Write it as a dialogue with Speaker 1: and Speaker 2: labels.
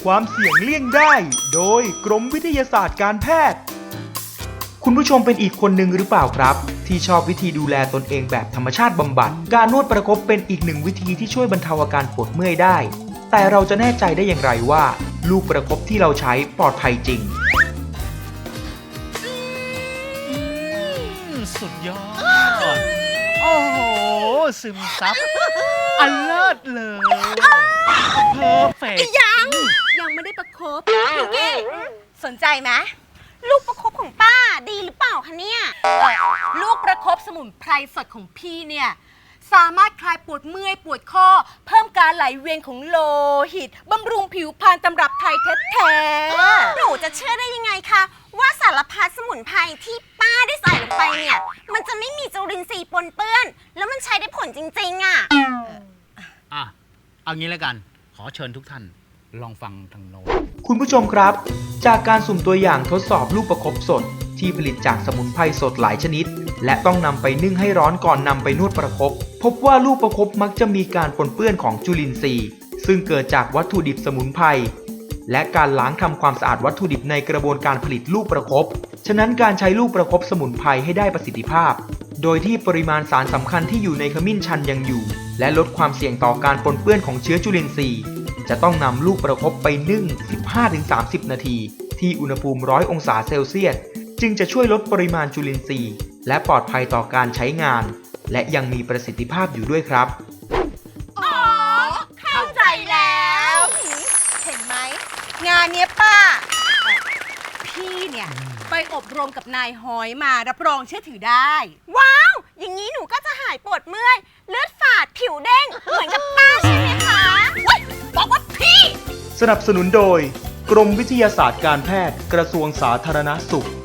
Speaker 1: ความเสี่ยงเลี่ยงได้ โดยกรมวิทยาศาสตร์การแพทย์คุณผู้ชมเป็นอีกคนหนึ่งหรือเปล่าครับที่ชอบวิธีดูแลตนเองแบบธรรมชาติบำบัดการนวดประคบเป็นอีกหนึ่งวิธีที่ช่วยบรรเทาอาการปวดเมื่อยได้แต่เราจะแน่ใจได้อย่างไรว่าลูกประคบที่เราใช้ปลอดภัยจริง
Speaker 2: สุดยอดโอ้โหซึมซับอันเลิศเลยเพอร์เฟกต์
Speaker 3: ยังไม่ได้ประคบพี่เก๋สนใจไหมลูกประคบของป้าดีหรือเปล่าคะเนี่ยลูกประคบสมุนไพรสดของพี่เนี่ยสามารถคลายปวดเมื่อยปวดข้อเพิ่มการไหลเวียนของโลหิตบำรุงผิวพรรณตำรับไทยแท้ๆหนูจะเชื่อได้ยังไงคะว่าสารพัดสมุนไพรที่ป้าได้ใส่ลงไปเนี่ยมันจะไม่มีจุลินทรีย์ปนเปื้อนแล้วมันใช้ได้ผลจริงๆอ่ะ
Speaker 2: เอางี้แล้วกันขอเชิญทุกท่านลองฟังทางโน้น
Speaker 1: คุณผู้ชมครับจากการสุ่มตัวอย่างทดสอบลูกประคบสดที่ผลิตจากสมุนไพรสดหลายชนิดและต้องนำไปนึ่งให้ร้อนก่อนนำไปนวดประคบพบว่าลูกประคบมักจะมีการปนเปื้อนของจุลินทรีย์ซึ่งเกิดจากวัตถุดิบสมุนไพรและการล้างทำความสะอาดวัตถุดิบในกระบวนการผลิตลูกประคบฉะนั้นการใช้ลูกประคบสมุนไพรให้ได้ประสิทธิภาพโดยที่ปริมาณสารสำคัญที่อยู่ในขมิ้นชันยังอยู่และลดความเสี่ยงต่อการปนเปื้อนของเชื้อจุลินทรีย์จะต้องนำลูกประคบไปนึ่ง 15-30 นาทีที่อุณหภูมิ 100 องศาเซลเซียสจึงจะช่วยลดปริมาณจุลินทรีย์และปลอดภัยต่อการใช้งานและยังมีประสิทธิภาพอยู่ด้วยครับ
Speaker 3: อ๋อเข้าใจแล้วเห็นไหมงานเนี้ยป้าพี่เนี่ยไปอบรมกับนายหอยมารับรองเชื่อถือได้ว้าวอย่างนี้หนูก็จะหายปวดเมื่อยเลือดฝาดผิวเด้งเหมือนกับป้าใช่ไหมคะบอกว่าพี่
Speaker 1: สนับสนุนโดยกรมวิทยาศาสตร์การแพทย์กระทรวงสาธารณสุข